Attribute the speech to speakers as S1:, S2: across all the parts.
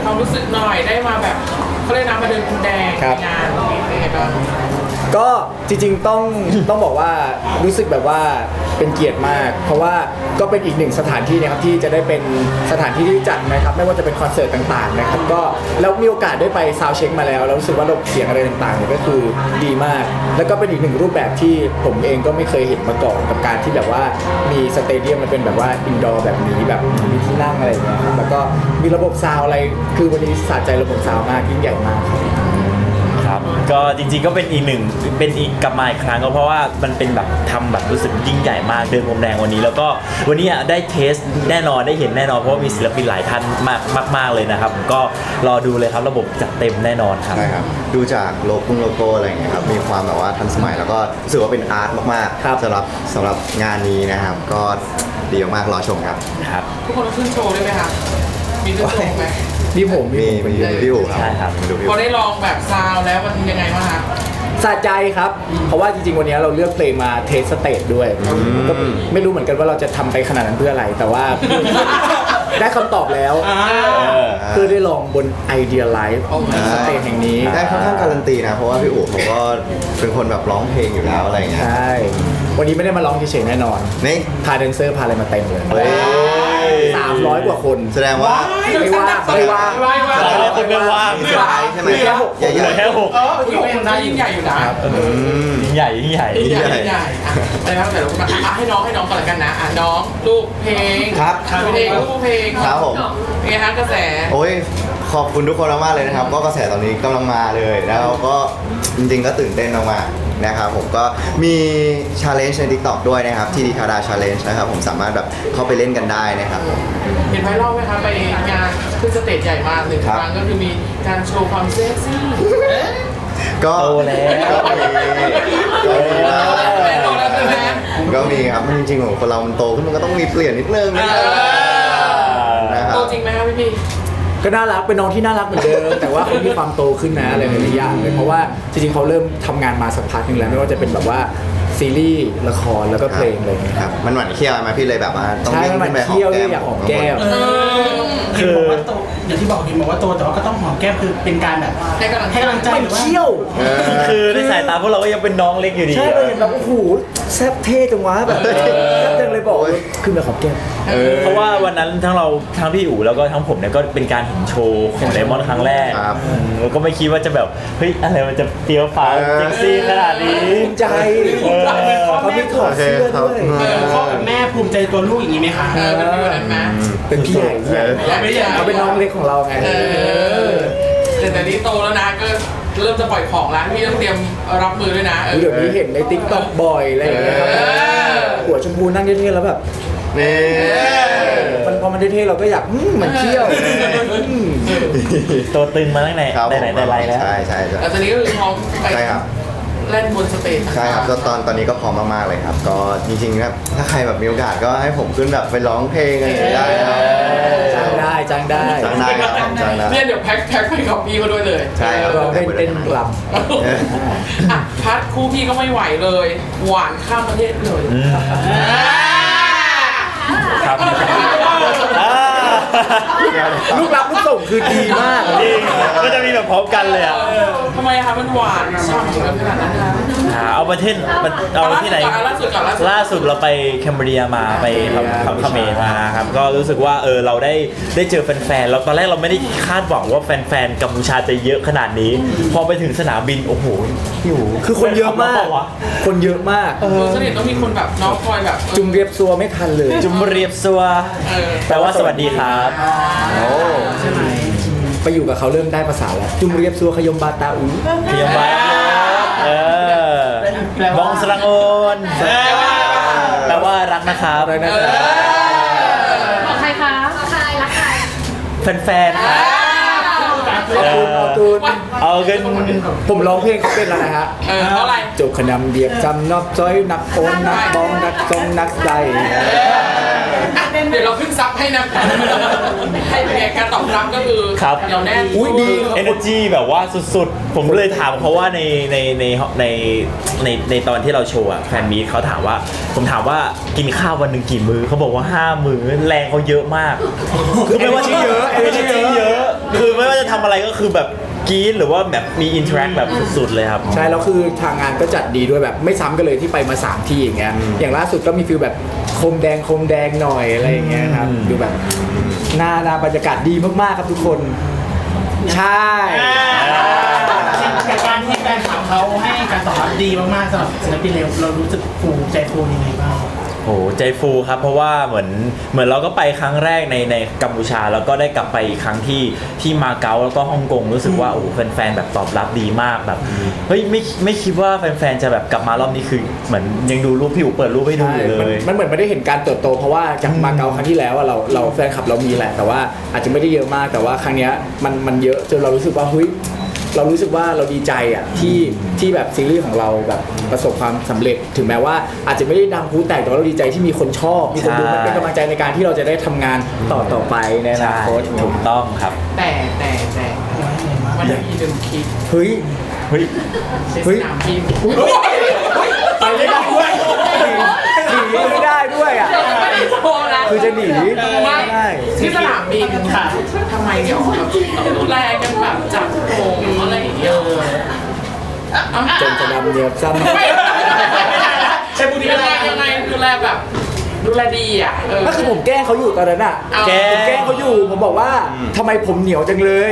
S1: ความรู้สึกหน่อยได้มาแบบเขาเรียกน้ำมาเดินพรมแดงในงานเป็นไงบ้าง
S2: ก็จริงๆต้องบอกว่ารู้สึกแบบว่าเป็นเกียรติมากเพราะว่าก็เป็นอีกหนึ่งสถานที่นะครับที่จะได้เป็นสถานที่ที่จัดนะครับไม่ว่าจะเป็นคอนเสิร์ตต่างๆนะครับก็แล้วมีโอกาสได้ไปซาวด์เช็คมาแล้วรู้สึกว่าระบบเสียงอะไรต่างๆเนี่ยก็คือดีมากแล้วก็เป็นอีกหนึ่งรูปแบบที่ผมเองก็ไม่เคยเห็นมาก่อนกับการที่แบบว่ามีสเตเดียมมันเป็นแบบว่าอินดอร์แบบนี้แบบมีที่นั่งอะไรอย่างเงี้ยแล้วก็มีระบบซาวด์อะไรคือวันนี้สะใจระบบซาวด์มากยิ่งใหญ่มาก
S3: ครับก็จริงๆก็เป็นอีกกลับมาอีกครั้งก็เพราะว่ามันเป็นแบบทำแบบรู้สึกยิ่งใหญ่มากเดินพรมแดงวันนี้แล้วก็วันนี้ได้เทสแน่นอนได้เห็นแน่นอนเพราะว่ามีศิลปินหลายท่านมากเลยนะครับผมก็รอดูเลยครับระบบจัดเต็มแน่นอนครับ
S4: ใช่ครับดูจากโลโก้อะไรอย่างเงี้ยครับมีความแบบว่าทันสมัยแล้วก็รู้สึกว่าเป็นอาร์ตมากๆสำหรับงานนี้นะครับก็ดีมากๆรอชมครับ
S1: ทุกคนต้องขึ้นโชว์ได้ไหมคะมีขึ้นโชว์ไหม
S2: มีผม
S4: มีพี่อู๋ครับ
S3: ใช่ครับ
S1: พอได้ลองแบบซาวแล้วมันยังไงบ้างคะ
S2: สะใจครับเพราะว่าจริงๆวันนี้เราเลือกเพลงมาเทสสเตจด้วยก็ไม่รู้เหมือนกันว่าเราจะทำไปขนาดนั้นเพื่ออะไรแต่ว่าได้คำตอบแล้วเพื่อได้ลองบนไอเดียไลฟ์สเตจแห่งนี้
S4: ได้ค่อนข้างการันตีนะเพราะว่าพี่อู๋เขาก็เป็นคนแบบร้องเพลงอยู่แล้วอะไรเงี้ย
S2: ใช่วันนี้ไม่ได้มาร้องเฉยๆแน่นอน
S4: นี่
S2: พาแดนเซอร์พาอะไรมาเต็มเลย300 กว่าคน
S4: แสดงว่า
S2: ไม่ว่าง
S3: ไม่ว่าง
S4: ใช่ไหม
S3: แค่6เหลือแค่6
S1: ยิ่งใหญ่ยิ่งใหญ่อยู่นะ
S3: ยิ่งใหญ่
S1: อะไรครับแต่เราให้น้องก่อนละกันนะน้องลูกเพลง
S4: ครับ
S1: เพลงลูกเพลง
S4: ครับผม
S1: เป็นไงฮะกระแส
S4: โอ้ยขอบคุณทุกคนมากๆเลยนะครับก็กระแสตอนนี้กำลังมาเลยแล้วก็จริงๆก็ตื่นเต้นมากๆนะครับผมก็มี challenge ใน TikTok ด้วยนะครับที่ดีคาดา challenge นะครับผมสามารถแบบเข้าไปเล่นกันได้นะครับ
S1: เห็นไวรัลไหมครับไปงานขึ้นสเตจใหญ่มาก1ครั้งก็คือมีการโชว์ความเซ็กซี่
S4: ก็
S3: โตแล้ว
S4: ก็มีครับจริงๆของคนเรามันโตขึ้นมันก็ต้องมีเปลี่ยนนิดนึง
S1: โตจริงไหมครับพี่
S2: ก็น่ารักเป็นน้องที่น่ารักเหมือนเดิมแต่ว่าเขามีความโตขึ้นนะอะไรหลายอย่างเลยเพราะว่าจริงๆเขาเริ่มทำงานมาสักพักนึงแล้วไม่ว่าจะเป็นแบบว่าซีรีส์ละครแล้วก็เพลงอะไรอย่างเงี้ย
S4: ครับมันหวานเคี้ยวมาพี่เลยแบบว่า
S2: ต้องวิ่งขึ้นไปหอมแก้มอยากหอมแก้ม
S5: คือว่าโตอย่างที่บอกว่าโตแต่ว่าก็ต้องหอมแก้มคือเป็นการแบบให้กำลังใจหรือว่า
S2: เคี้ยว
S3: คือในสายตาพวกเราก็ยังเป็นน้องเล็กอยู่ดี
S2: ใช่เราเห็นแบบโอ้โหแซ่บเท่จังวะแบบแซ่บจังเลยบอกขึ้นไปหอมแก้ม
S3: เพราะว่าวันนั้นทั้งพี่อู๋แล้วก็ทั้งผมเนี่ยก็เป็นการเห็นโชว์ของไดมอนด์ครั้งแรกแล้วก็ไม่คิดว่าจะแบบเฮ้ยอะไรมันจะเฟี้ยวฟ้าวเซ็กซี่ขนาดนี้
S2: ภูมิใจเขาไม่ถอดเสื้อด้วย
S5: พ่อกับแม่ภูมิใจตัวลูกอย่างนี้ไหมคะ
S2: เป็นพี่ใหญ่เขาเป็นน้องเล็กของเราไง
S1: แต่นี้โตแล้วนะก็เริ่มจะปล่อยของแล้วพี่ต้องเตรียมรับมือด้วยนะ
S2: เดี๋ยวนี้เห็นในติ๊กต็อกบ่อยอะไรอย่างเงี้ยครับหัวชมพูนั่งเท่ๆแล้วแบบ
S4: นี่
S2: พอมันเท่ๆเราก็อยากเหมือนเที่ยว
S3: ตัวตึงมาตั้งไหนแต่ไรแล้ว
S4: ใช่
S1: แล้วตอนนี้ก็คือพร้อมไปเล่นบนสเตจ
S4: ใช่ครับตอนนี้ก็พร้อมมากๆเลยครับก็จริงๆนะถ้าใครแบบมีโอกาสก็ให้ผมขึ้นแบบไปร้องเพลงอะไรได้ครับ
S2: จ้างได้
S1: เนี่ยเดี๋ยวแพ็คไปกับพี่มาด้วยเลย
S4: ใช่ครับ
S2: เราเต้นกลับ
S1: พัดคู่พี่ก็ไม่ไหวเลยหวานข้ามประเทศเลย
S3: ครับ
S2: ลูกรับลูกส่งคือดีมาก
S3: จริงก็จะมีแบบพร้อมกันเลยอ่ะ
S1: ทำไมคะมันหวานฉ่ำขนาดนั้นคะ
S3: เอาประเทศเอาที่ไหนล่าสุดเราไปแคนเบรียมาไปเขมรมาครับก็รู้สึกว่าเราได้เจอแฟนๆแล้วตอนแรกเราไม่ได้คาดหวังว่าแฟนๆกัมพูชาจะเยอะขนาดนี้พอไปถึงสนามบินโอ้โหพี่หู
S2: คือคนเยอะมากคนเยอะมาก
S1: สนิทต้องมีคนแบบน้องคอยแบบ
S2: จุ่มเรียบซัวไม่ทันเลย
S3: จุ่มเรียบซัวแปลว่าสวัสดีครับ
S2: โอ้ใช่ไหมไปอยู่กับเขาเริ่มได้ภาษาแล้วจุ่มเรียบซัวขยมบาตาอู
S3: ขยมบาบองสรังโอนแปลว่ารักนะครับ
S6: บอกใครคะใครรักใคร
S3: แฟนๆครับเอาเงิน
S2: ผมร้องเพลงเขาเป็นแล้วนะฮะ
S1: เท่าไหร่
S2: จบขนำเดียบจำนอกจ้อยนักโอนนักบ้องนักทรงนักใจ
S1: เดี๋ยวเราขึ้นซับให้นะให้เป็นการตอบรับก็คือเดี๋ยวแน่น
S2: อุ้ยดี
S3: energy แบบว่าสุดๆผมเลยถามเขาว่าในตอนที่เราโชว์อะแฟนมีเขาถามว่าผมถามว่ากินข้าววันหนึ่งกี่มื้อเขาบอกว่า5 มื้อแรงเขาเยอะมาก
S2: คือไม่ว่าที่เยอะ
S3: energy เยอะคือไม่ว่าจะทำอะไรก็คือแบบกรี๊ดหรือว่าแบบมีอินเทอร์แอคแบบสุดๆเลยครับ
S2: ใช่แล้วคือทางงานก็จัดดีด้วยแบบไม่ซ้ำกันเลยที่ไปมา3ที่อย่างเงี้ยอย่างล่าสุดก็มีฟิลแบบโคมแดงหน่อยอะไรอย่างเงี้ยครับดูแบบหน้าบรรยากาศดีมากๆครับทุกคนใช่
S5: จากการที่แฟนคลับเขาให้การตอบรับดีมากๆสำหรับศิลปินเรารู้สึกฟูใจฟูยังไงบ้าง
S3: โอ้ใจฟูครับเพราะว่าเหมือนเราก็ไปครั้งแรกในกัมพูชาแล้วก็ได้กลับไปอีกครั้งที่มาเก๊าแล้วก็ฮ่องกงรู้สึกว่าโอ้แฟนๆแบบตอบรับดีมากแบบเฮ้ยไม่คิดว่าแฟนๆจะแบบกลับมารอบนี้คือเหมือนยังดูรูปพี่อู๋เปิดรูปให้ดูอยู่เลย
S2: มันเหมือนไม่ได้เห็นการเติบโตเพราะว่าจากมาเก๊าครั้งที่แล้วอะเราแฟนคลับเรามีแหละแต่ว่าอาจจะไม่ได้เยอะมากแต่ว่าครั้งเนี้ยมันเยอะจนเรารู้สึกว่าเฮ้ยเรารู้สึกว่าเราดีใจอ่ะที่แบบซีรีส์ของเราแบบประสบความสำเร็จถึงแม้ว่าอาจจะไม่ได้ดังพลุแตกแต่ว่าเราดีใจที่มีคนชอบมีคนดูมันเป็นกำลังใจในการที่เราจะได้ทำงานต่อไปในอนา
S3: ใช่
S2: คต
S3: ถูกต้องครับ
S1: แต่มันจะมีหนึ่งคลิป
S2: เฮ้ย
S3: เฮ้ย
S1: ในสนามบิน
S2: ไปไม่ได้ด้วยหนีไม่ได้ด้วยอ่ะ
S1: ไม่ได้โชว์นะ
S2: คือจะหนี
S1: ไม่
S2: ไม่ได้
S1: ที่สนามบินค่ะทำไมเนี่ยแบบดูแลกันแบบจับโงอะไรอย่างเงี้ย
S2: จนจะดำเนียบซ้ำ
S1: ใช่บุรียังไงดูแลแบบดูแลดีอ่ะ
S2: ก็คือผมแกล้งเขาอยู่ตอนนั้นอ่ะ
S3: แกล้ง
S2: ผมแกล้งเขาอยู่ผมบอกว่าทำไมผมเหนียวจังเลย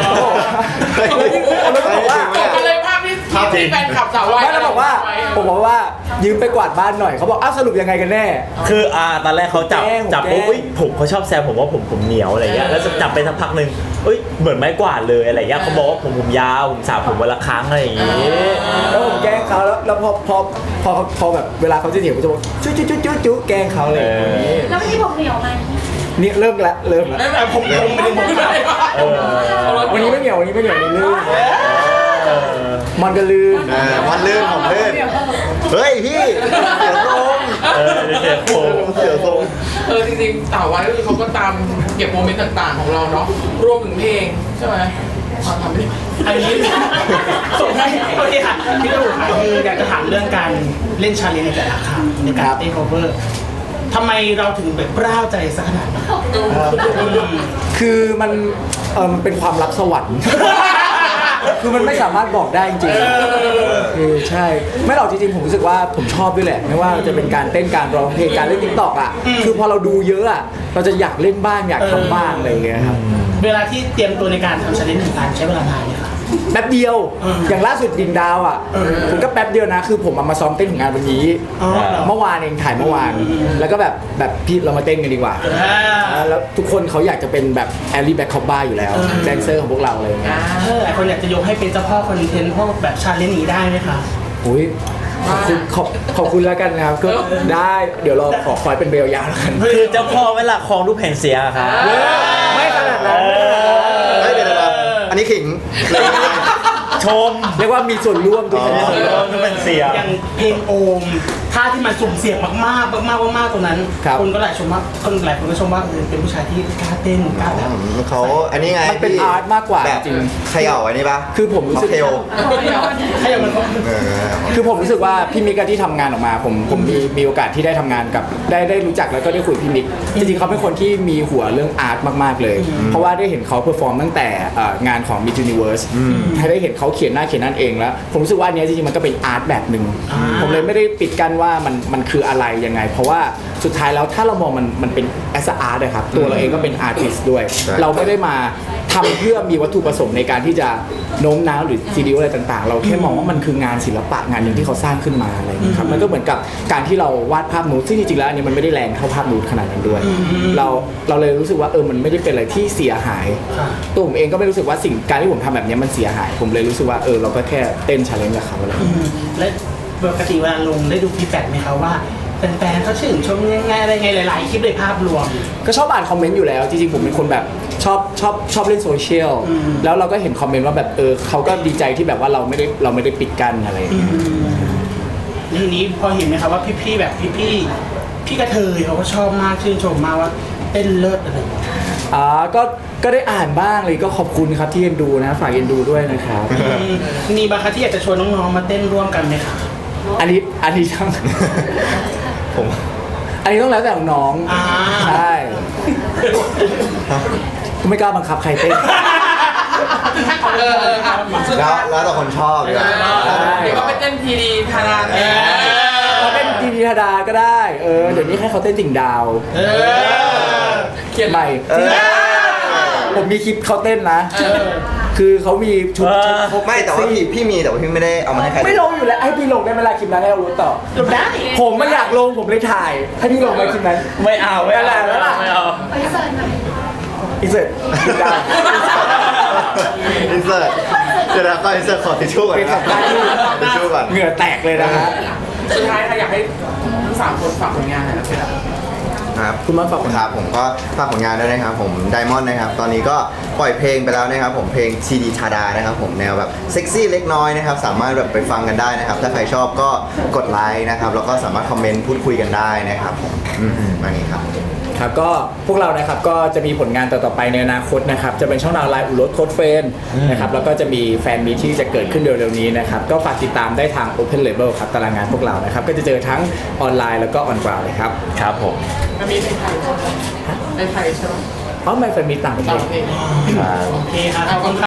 S2: แล้วก็บอกว่า
S1: ก็เลยภาพที่แฟนขับสาววาย
S2: ไม่แล้วบอกว่าผมบอกว่ายืมไปกวาดบ้านหน่อยเขาบอกอ้าวสรุปยังไงกันแน่
S3: คือตอนแรกเขาจับ
S2: ผมแกล้ง
S3: ปุ๊บเอ้ยผมเขาชอบแซวผมว่าผมเหนียวอะไรเงี้ยแล้วจับไปสักพักหนึ่งเอ้ยเหมือนไม้กวาดเลยอะไรเงี้ยเขาบอกว่าผมยาวผมสระผมวันละครั้งอะไรอย่างงี้
S2: แล้วผมแกล้งเขาแล้วพอแบบเวลาเขาจะเหนียวผมจะบอกจุ๊แกล้งเขาเลยางงี้
S6: แล้ววันนี้ผมเหนียวไหม
S2: นี่เริ่มละ
S1: ผมไม่ได้ผมไม่ได้
S2: วันนี้ไม่เหนียววันนี้ไม่เหนียวนี่ลื่นมันก็ลื่น
S4: มันลื่นผมลื่นเฮ้ยพี่เสียทรง
S3: เสียโค้ง
S4: เสียทรง
S1: จริงๆสาววายก็คือเขาก็ตามเก็บโมเมนต์ต่างๆของเราเนาะรวมถึงเพลงใช่ไหมมาทำดิ
S5: อันนี้ส่งให้โอเคค่ะพี่ตู่ค่ะคืออยากจะถามเรื่องการเล่นชาเลนจ์ในแต่ละครั้งในการเต้น cover ทำไมเราถึงแบบกล้าวใจสักขนาดนั้น
S2: คือมันเป็นความลับสวรรค์ คือมันไม่สามารถบอกได้จริงๆคือใช่ ไม่หรอกจริงๆผมรู้สึกว่าผมชอบด้วยแหละ ไม่ว่าจะเป็นการเต้นการร้องเพลงการเล่นติ๊กต็อกอ่ะ คือพอเราดูเยอะอ่ะ เราจะอยากเล่นบ้างอยากทำบ้างอะไรอย่างเงี้ยครับ
S5: เวลาที่เตรียมตัวในการทำชาเลนจ์หนึ่งการใช้เวลานานไหมคะ
S2: แป๊บเดียว อย่างล่าสุดดิ่งดาวอ่ะ ผมก็แป๊บเดียวนะ คือผมเอามาซ้อมเต้นของงานวันนี้
S5: อ๋อเหรอ
S2: เมื่อวานเองถ่ายเมื่อวาน แล้วก็แบบพี่เรามาเต้นกันดีกว่า แล้วทุกคนเขาอยากจะเป็นแบบแอลลี่แบ็คคอปบ้าอยู่แล้ว แดนเซอร์ของพวกเราอะไรอย่างเงี้ย
S5: หลายคนอยากจะยกให้เป็นเจ้าพ่อคอนเทนต์พวกแบบชาเลนจ์นี้ได้ไหมคะ
S2: อุ้ยขอบคุณแล้วกันนะครับ ก็ได้เดี๋ยวเราขอเป็นเบลยาวแล้วกัน
S3: คือเจ้าพ่อเวลาคลองรูปแผ่นเสียงอะครับ
S2: ไม่ขนาดนั้น
S4: เฮ้ยเดี๋ยวอันนี้ขิง
S3: ชม
S2: เรียกว่ามีส่วนร่วมทุกคน
S3: รูปแผ่นเสียง
S5: อย่างเพลงโอมท่าที่มันสุ่มเสี่ยงมากๆมากๆตรงนั้นคนก็หลายคนก็ชมว่าเป็นผู้ชายที่กล้าเต้นกล้าแบบ
S4: เขาอันนี้ไง
S2: มันเป็นอาร์ตมากกว่า
S4: แบบ
S2: จริง
S4: เขย่าอันนี้ปะ
S2: คือผมรู้สึก
S4: เทล
S5: ถ้าอย่างมันก็
S2: คือผมรู้สึกว่าพี่มิกอะที่ทำงานออกมาผมมีโอกาสที่ได้ทำงานกับได้รู้จักแล้วก็ได้คุยกับพี่มิกจริงๆเขาเป็นคนที่มีหัวเรื่องอาร์ตมากๆเลย เพราะว่าได้เห็นเขาเพอร์ฟอร์มตั้งแต่งานของ Miss Universe ให้ได้เห็นเขาเขียนหน้าเขียนนั่นเองแล้ว ผมรู้สึกว่าอันเนี้ยจริงๆมันก็เป็นอาร์ตแบบหนึ่งผมเลยไม่ได้ปิดกั้นว่ามันคืออะไรยังไง เพราะว่าสุดท้ายแล้วถ้าเรามองมันเป็นแอสอาร์ตนะครับตัวเราเองก็เป็นอาร์ติสด้วย เราไม่ได้มาทำเพื่อมีวัตถุประสงค์ในการที่จะโน้มน้าวหรือซีดีอะไรต่างๆ เราแค่มองว่ามันคืองานศิลปะงานหนึ่งที่เขาสร้างขึ้นมาอะไรอย่างนี้ยครับมันก็เหมือนกับการที่เราวาดภาพนูดซึ่งจริงๆแล้วอันนี้มันไม่ได้แรงเท่าภาพนูดขนาดนั้นด้วย เราเลยรู้สึกว่ามันไม่ได้เป็นอะไรที่เสียหายตัวผมเองก็ไม่รู้สึกว่าสิ่งการที่ผมทำแบบนี้มันเสียหาย ผมเลยรู้สึกว่าเราก็แค่เต้นชาเลนจ์กับเขาอะไรอย่างเงี้ย
S5: และปกติเวลาลงได้ดูฟีดแบ็กไหมคะว่าแฟนๆเขาชื่นชมยังไงอะไรไงหลายๆคลิปเลยภาพรวม
S2: ก็ชอบอ่านคอมเมนต์อยู่แล้วจริงๆผมเป็นคนแบบชอบเล่นโซเชียลแล้วเราก็เห็นคอมเมนต์ว่าแบบเขาก็ดีใจที่แบบว่าเราไม่ได้ปิดกั้นอะไรอย่างเงี้ย
S5: ทีนี้พอเห็นไหมคะว่าพี่ๆแบบพี่กระเทยเขาก็ชอบมากชื่นชมมากว่าเต้นเลิศอะไรอย่างเงี้ย
S2: ก็ได้อ่านบ้างเลยก็ขอบคุณครับที่เอ็นดูนะฝากเอ็นดูด้วยนะครับ
S5: มีบางครั้งที่อยากจะชวนน้องๆมาเต้นร่วมกันไหมคะ
S2: อันนี้ต้อง
S4: ผม
S2: อันนี้ต้องแล้วแต่น้อง
S5: อ่า
S2: ใช่ไม่กล้าบังคับใครเต้น
S4: แล้วแต่คนชอบดีกว่า
S1: เดี๋ยวก็ไปเต้นทีดีทานานเอง
S2: เขาเต้นทีดีธดาก็ได้เดี๋ยวนี้ให้เขาเต้นติ่งดาว
S1: เขียน
S2: ใหม่ ผมมีคลิปเขาเต้นนะ คือเขามีชุดครบ
S4: ไม่แต่ว่าพี่มีแต่ว่าพี่ไม่ได้เอามาให้ใคร
S2: ไม่ลงอยู่แล้วให้พี่ลงได้ไหมล่ะคลิปนั้นให้เรารู้ต่อ
S5: ลงได้
S2: ผมไม่อยากลงผมเลยถ่ายให้พี่ลงไหมคลิปนั้น
S3: ไม่เอาไม่เอา
S2: ไม่เอา
S3: ไม่เอา
S6: ไปเสิร์ฟหน่อย
S2: อีเสร็จติ่งดาว
S4: อินเสิร์ตเดี๋ยวนะก็อินเสิร์ตขอทิชชู่ก่อน
S2: เป็น
S4: นะ
S2: สัปดาห์ที่
S4: ทิชชู่ก่อน
S2: เหงื่อแตกเลยนะฮะ
S1: สุดท้ายค่ะอยากให้ทั้ง3คนฝากผลงานหน่อยนะเพื่อน
S4: ครับ
S2: คุณมาฝากผลงาน
S4: ครับผมก็ฝากผลงานด้วยนะครับผมไดมอนด์นะครับตอนนี้ก็ปล่อยเพลงไปแล้วนะครับผมเพลงทีดีทาดานะครับผมแนวแบบเซ็กซี่เล็กน้อยนะครับสามารถแบบไปฟังกันได้นะครับถ้าใครชอบก็กดไลค์นะครับแล้วก็สามารถคอมเมนต์พูดคุยกันได้นะครับผมมานี้ครับ
S2: ครับก็พวกเรานะครับก็จะมีผลงานต่อๆไปในอนาคตนะครับจะเป็นช่องทางไลน์อุรสโค้ดเฟรนนะครับแล้วก็จะมีแฟนมีตที่จะเกิดขึ้นเร็วๆนี้นะครับก็ฝากติดตามได้ทาง Open Label ครับตารางงานพวกเรานะครับก็จะเจอทั้งออนไลน์แล้วก็ออนกราวเลยครับ
S3: ครับผม
S1: มันมีในไทยใช่ไหม
S2: เพราะไม่แฟนมีตต่างประเท
S1: ต่าง
S2: ศ
S1: ประเทศ
S3: ครับ
S5: โอเคครับ
S1: ขอบคุณ